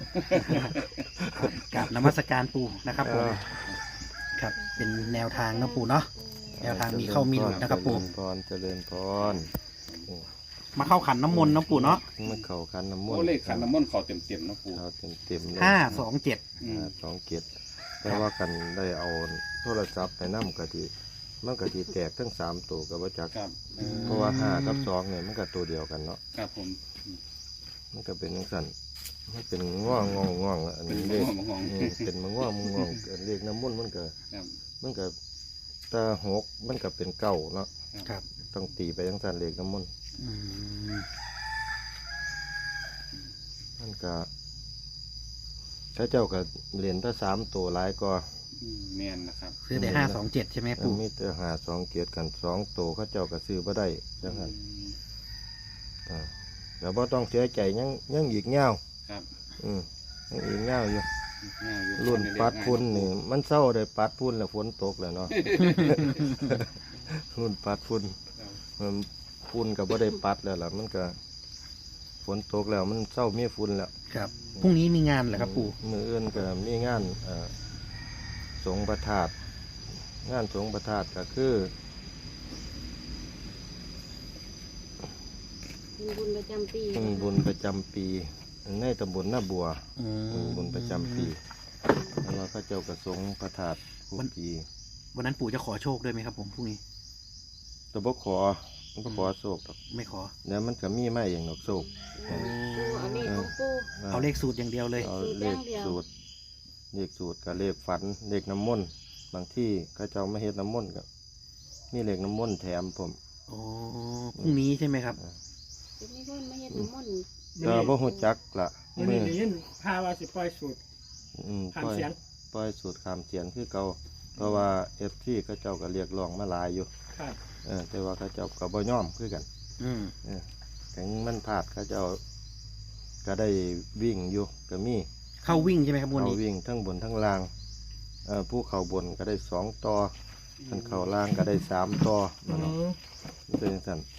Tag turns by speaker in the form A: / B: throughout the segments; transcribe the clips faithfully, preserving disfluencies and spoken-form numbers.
A: กราบนมัสการปู่นะครับผมครับเป็นแนวทางนะปู่เนาะแนวทางมีเข้ามีหลุดนะครับปู่
B: เจริญพรเจริญพร
A: มาเข้าขันน้ำมนต์นะปู่เนาะ
B: มันเข่าคันน้ำมน
C: โอ้
B: ต์
C: เลขขันน้ำมนต์เขาเต็มเต็มๆนะปู่
B: เขาเต็มเต็มๆเลย
A: ห้าสองเจ็ด
C: อืม
B: ห้าสองเกียรติแต่ว่ากันได้เอาโทรศัพท์ไปนั่กะทิมันกะทิแตกทั้งสามตัวกับว่าจัก
C: ครับเออ
B: เพราะว่าห้ากับสองเนี่ยมันก็ตัวเดียวกันเนาะ
C: ครับผม
B: มันก็เป็นจังสั่นมันเป็นง่วงง่วงง่วงอัน
C: เป็น
B: นี้
C: ม
B: เลข
C: งมงง
B: อืมเป็นมังง่วงมังง่วงเลขน้ำมนต์มันก็
C: ครับ
B: มันก็ตาหกมันก็เป็นเก้าเนาะ
A: ครับ
B: ต้องตีไปจังสั่นเลขน้ำมนต์
A: อืม
B: มันก็ถ้าเจ้าก็เหรียญถ้าสามตัวหลายก็
C: อืมแมนนะครับ
A: ซื้อแต่ห้าสองเจ็ดใช่ไหมปู่
B: มีแต่หาสองเกียรติกันสองตัวเขาเจ้าก็ซื้อบ่ได้จังนั้น
C: อืม
B: อ่าแล้วบ่ต้องเสียใจยังยังอีกเงา
C: ครับ
B: อืมยังอีกเงาอยู่
C: ง่ายอยู่
B: รุ่นปัดพุ่นนี่มันเศร้าได้ปัดพุ่นแล้วฝนตกแล้วเนาะ รุ่นปัดพุ่น
C: ครับ
B: มันฝุ่นก็บ่ได้ปัดแล้วล่ะมันก็ฝนตกแล้วมันเศร้ามีฝุ่นแล้ว
A: ครับพรุ่งนี้มีงานเหรอครับปู่
B: มืออื่นก็มีงานเอ่อสงฆ์ประทาตงานสงฆ์ประทาตก็คือ
D: เป็นบุญประจำปี
B: อืมบุญประจำปีในตำบลหน้าบัว
A: อื
B: อืม
A: ม
B: บุญประจำปีแล้วเราก็เจ้ากระสงฆ์ประทาตทุกปี
A: วันนั้นปู่จะขอโชคด้วยไหมครับผมพรุ่งนี้
B: แตะบกขอมันก็ขอโศกดอก
A: ไม่ขอ
B: แล้วมันก็มีไม่อย่างดอกโศก
D: ปูเอาเลขของปู
A: เอาเลขสูตรอย่างเดียวเลย
B: เอา
D: สูตร
B: เล
D: อย่า
B: ข
D: งเดียว
B: สูตรเลขสูตรกับเลขฝันเลขน้ำมนต์บางที่เขาเจ้าไม่เฮ็ดน้ำมนต์กับมีเลขน้ำมนต์แถมผม
A: โอ้พรุ่งนี้ใช่ไหมครับ
D: จะไม่พ้นไม่เห็นน้ำมนต์
B: ก็บ่ฮู้จักละ
E: มัน
B: มื
E: นี่
B: อ
E: ได้ยินพาว่าสิปล่อยสูตร
B: อืม
E: ผ่าน
B: ปล่อย
E: เสียง
B: ปล่อยสูตรขามเสียนคือเก่าเพราะว่า เอฟ ซี เขาเจ้าก็เรียกร้องมาหลายอยู่
E: ครับ
B: เออแต่ว่าเขาเจ้าก็บ่ยอมคือกัน
A: อืม
B: เออถึงมันพลาดเขาเจ้าก็ได้วิ่งอยู่ก็มี
A: เข้าวิ่งใช่ไหมครับวัน
B: เขา
A: นี้
B: วิ่งทั้งบนทั้งล่างเอ่อผู้เขาบนก็ได้สองต่อท่านเขาล่างก็ได้สามต่อนั่นเนาะมันเป็นจังซั่น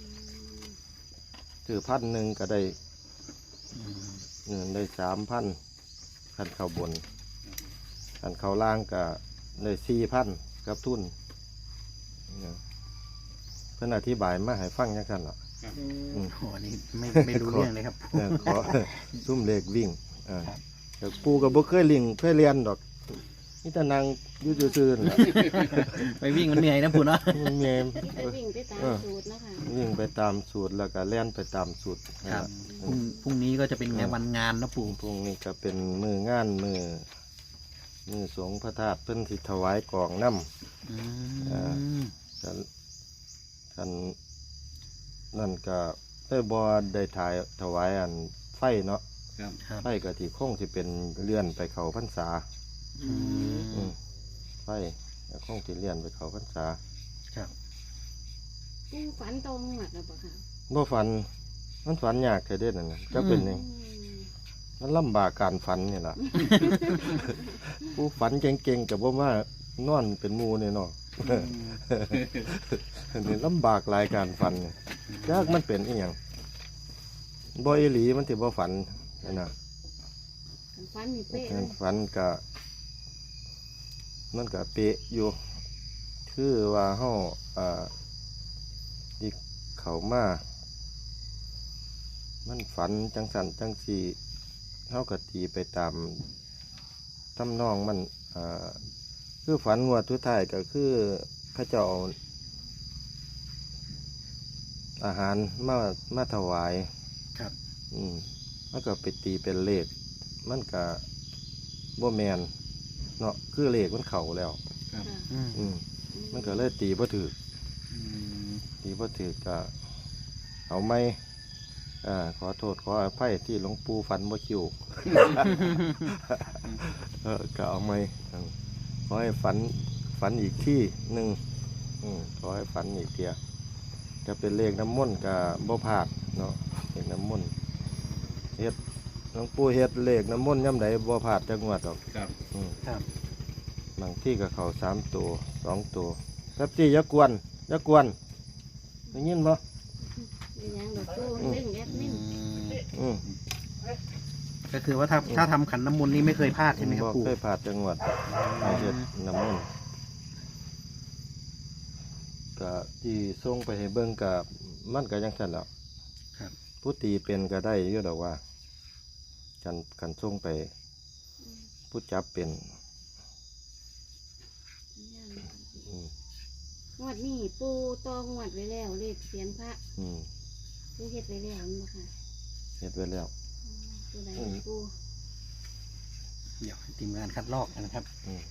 B: ถือพันหนึ่งก็ได้
A: อืม
B: เงินได้สามพันท่านเขาบนท่านเขาล่างก็ได้สี่พันกับทุนเนี่ยเพิ่นอธิบายมาให้ฟังยังกันหรอ อืม
A: โอ้อันนี้ไม่ไม่รู้เรื่องเลยครับ
B: เออขอ ซุ่มเลขวิ่งอ่าแต่ปูก็บ่เคยลิงเคยเรียนดอกนี่แต่นางอยู่ซื่อๆนั่นล่ะ
A: ไปวิ่งมันเหนื่อยนะปู่เนาะ
B: มันแม่น
D: ไปวิ่งไปตามสูตรนะคะ
B: วิ่งไปตามสูตรแล้วก็เล่นไปตามสูตร
A: ครับ
B: นะ
A: พรุ่งพรุ่งนี้ก็จะเป็นงานวันงานนะปู่
B: พรุ่งนี้ก็เป็นมืองานมือมือสงฆ์พระธาตุเพิ่นสิถวายกองน้ำ
A: อื
B: อ่า
A: ม
B: กันกันนั่นก็ได้บ่ได้ถ่ายถวายอันไฟเนาะ
C: ครับ
A: ครับ
B: ไฟก็ที่คงสิเป็นเลื่อนไปเขาพรรษา
A: อื
B: อื
A: ม
B: มไฟก็คงสิเลื่อนไปเขาพรรษา
A: ครับ
D: ปูฝันตรงหมดแล้วปะคะ
B: บ่ฝันมันฝันยากแค่เด็ดนั่นน่ะจะเป็นหยัง
D: อืม
B: มันลำบากการฝันนี่ล่ะ ผู้ฝันเก่งๆกับบ่มานอนเป็นหมู่นี่เนาะ นี่ลำบากหลายการฝันเนี่ยยากมันเป็นอีหยังบ่อีหลีมันสิบ่ฝันนั่นน่ะ
D: ฝันมีเป๊ะเลย
B: ฝันก็มันก็เป๊ะอยู่ คือว่าเฮาอ่าที่เข้ามามันฝันจังสันจังสีเฮาก็ตีไปตามทำนองมันอ่าคือฝันงวดทุดท้ายก็คือพระเจ้าเอาอาหารมามาถวาย
A: ครับ
B: อืมมันก็ไปตีเป็นเลข มันก็บ่แมนเนาะคือเลขมันเข่าแล้ว
C: ครับ
D: ค่ะ
A: อืม
B: อืมมันก็เลยตีบ่ถือ
A: อืม
B: ตีบ่ถือก็เอาไม่อ่าขอโทษขออภัยที่หลวงปู่ฝันบ่คิว เออก็เอาไม่อืมขอให้ฝันฝันอีกที่หนึ่งอืมขอให้ฝันอีกเทียจะเป็นเลขน้ำมนต์กับบ่พลาดเนาะเลขน้ำมนต์เฮ็ดหลวงปู่เฮ็ดเลขน้ำมนต์ย่ำใดบ่พลาดจังหวัดดอก
C: ครับ
B: อืม
A: ครับ
B: บางที่ก็เข้าสามตัวสองตัวแป๊บจี้อย่ากวนอย่ากวนได้ยินบ่
D: เป็นยังดอกปูเล่นแอดมิน
B: อืม
A: แฟก็คือว่าถ้าถ้าทำขันน้ำมนต์นี่ไม่เคยพลาดใช่ไหมครับ
B: บ่
A: ปู่
B: เคยผ่านจังหวัดมาเฮ็ดน้ำมนต์ก็ที่ส่งไปให้เบิ่งกับมันก็ยังซั่นแหล้ว
A: ครับ
B: ผู้ตีเป็นก็ได้อยู่ดอกว่ากันกันส่งไปผู้จับเป็นอืม
D: งวดนี้ปูตองวดไว้แล้วเลขเสียนพระ
B: อืม
D: ปูเฮ็ดไว้แล้วนี่บ่ค่ะ
B: เฮ็ดไว้แล้ว
D: ตัวใด
B: อืม
D: ปู
A: เดี๋ยวให้ทีมงานคัดลอกนะครับ
B: อืม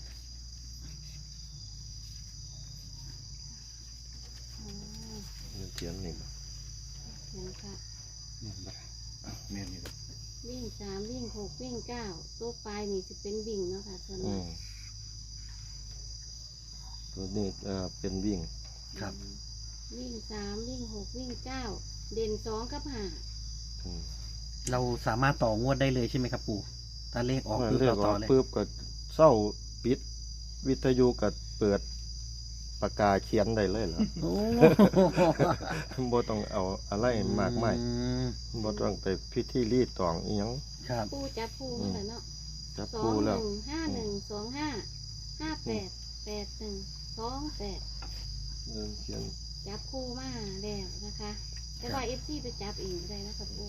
D: อ๋อ
B: เดี๋ยวเขียนนี่บ่
D: เสียนพระ
C: แม่นบ่อ่ะแม่นอยู่เด้อ
D: วิ่งสามวิ่งหกวิ่งเก้าตัวปลายนี่จะเป็นวิ่งเนาะค่ะส่วน
B: อื
D: มาก
B: มตัวนี้เอ่อเป็นวิ่ง
A: ครับ
D: วิ่งสามวิ่งหกวิ่งเก้าเด่นสองกับห้า
B: อืม
A: เราสามารถต่องวดได้เลยใช่ไหมครับปู่ถ้าเลขออก
B: เมื่อ
A: คือ
B: เรียก
A: เรา
B: อ
A: ต่
B: อ
A: อก เลย
B: ปุ๊บก็เศร้าปิด วิทยุก็เปิดปากกาเขียนได้เลยเหรอ
A: โอ้
B: บ่ต้องเอาอะไรมากมาย
A: อืม
B: บ่ต้องไปพิธีรีดตองอีหยัง
A: ครับ
D: ปูจับปูมาแล้วเนาะ
B: จับ
D: สอ
B: ปู
D: งห
B: แล้ว
D: นึ่งห้าหนึ่งสองห้าห้าแปดแปดหนึ่งสองแปด
B: เริ่มเขียน
D: จับคู่มาแล้วนะคะ แต่ว่าเอฟซีไปจับเองก็ได้นะครับปู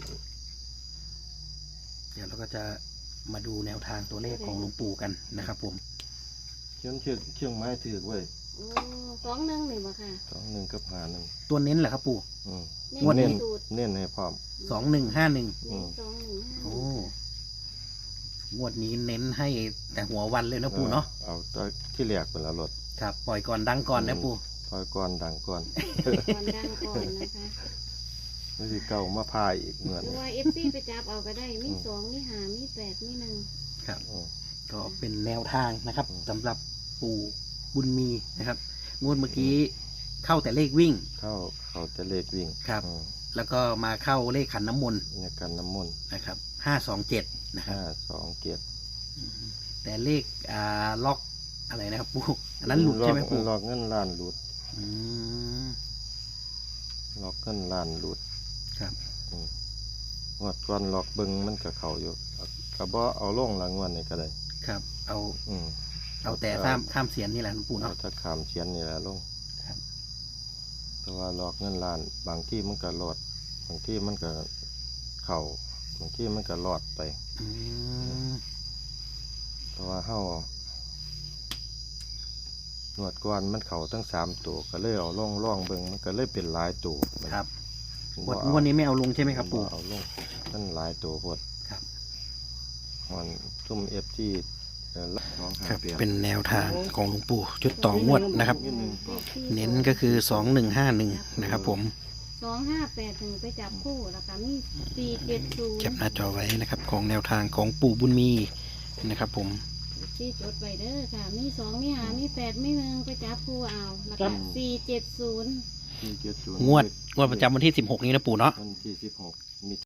A: เดี๋ยวเราก็จะมาดูแนวทางตัวเลขของหลวงปู่กันนะครับผม
B: เขียนเชือกเชือกไม้ถือไว้
D: โอ้สองหนึ่งหนึ่งบ่ค่ะ
B: สองหนึ่งกับหาหนึ่ง
A: ตัวเน้นเหรอครับปู่
B: อืม
D: เน้
A: งวดนี้
D: นสูตร
B: เน้นให้พร้อม
A: สองหนึ่งห้าหนึ่ง
D: เน้นสองหนึ่งห้า
A: โอ้งวดนี้เน้นให้แต่หัววันเลยนะปู่เนาะ
B: เอาตัวที่แรกเป็นละรถ
A: ครับ ปล่อยก่อนดังก่อนนะปู่
B: คอยก่อนดังก่อน
D: ก่อนดังก่อนนะคะ
B: ไม่สิเก่ามาพายอีกเหมือน
D: หรือว่าเอฟซีไปจับเอาก็ได้มีสองมีห้ามีแปดมีหนึ่ง
A: ครับ
B: อืม
A: ก็เป็นแนวทางนะครับ
B: อืม
A: สำหรับปู่บุญมีนะครับ งวดเมื่อกี้เข้าแต่เลขวิ่ง
B: เข้าเขาจะเลขวิ่ง
A: ครับ
B: อืม
A: แล้วก็มาเข้าเลขขันน้ำมนต์
B: เนี่ยกันน้ำมนต์
A: นะครับห้าสองเจ็ดนะครับ
B: ห้าสองเกียรติ
A: แต่เลขอ่าล็อกอะไรนะครับปู่อันนั้นหลุดใช่ไหมปู่
B: ลอกเงินล้านหลุด
A: อืม
B: ลอกเงินล้านหลุด
A: ครับ
B: อืมงวดก่อนลอกเบิงมันกับเขาอยู่กระบอเอาลงหลังวันนี่ก็ได้
A: ครับ เอา
B: อืม
A: เอาแต่ข้ามข้ามเสียนนี่แหละหลวงปู่
B: เอา
A: เนาะ
B: ถ้าขามเชียนนี่แหละลง
A: ครับ
B: เพราะว่าลอกเงินล้าน บางที่มันก็หลอด บางที่มันก็เข่าบางที่มันก็หลอดไป
A: อืม
B: เพราะว่าเฮาหนวดก่อนมันเข่าทั้งสามตัวก็เลยเอาล่องล่องเบิงมันก็เลยเป็นหลายตัว
A: ครับ
B: บ่
A: งวด
B: เอา
A: งวดนี้ไม่เอาลงใช่ไหมครับปู่
B: เอาลงมันหลายตัวพด
A: ครับ
B: มันซุ่มเอฟที่น้องหา
A: ครับ
B: เปลี่ยน
A: เป็นแนวทางของหลวงปู่ชุดต่องวดนะครับ
B: นิดนึง
A: เน้นก็คือสองหนึ่งห้าหนึ่งนะครับผม
D: สองห้าแปดถึงไปจับคู่แล้วก็มีสี่เจ็ดศูนย์
A: แคปหน้าจอไว้นะครับ ของแนวทางของปู่บุญมีนะครับผม
D: ที่จดไว้เด้อค่ะ มีสองมีห้ามีแปดมีหนึ่งไปจับคู่เอาแล้วก็สี่เจ็ดศูนย์
B: ที่เจ็ดศูนย์
A: งวดงวดประจำวันที่สิบหกนี้นะปู่เนาะ
B: วันที่สิบหก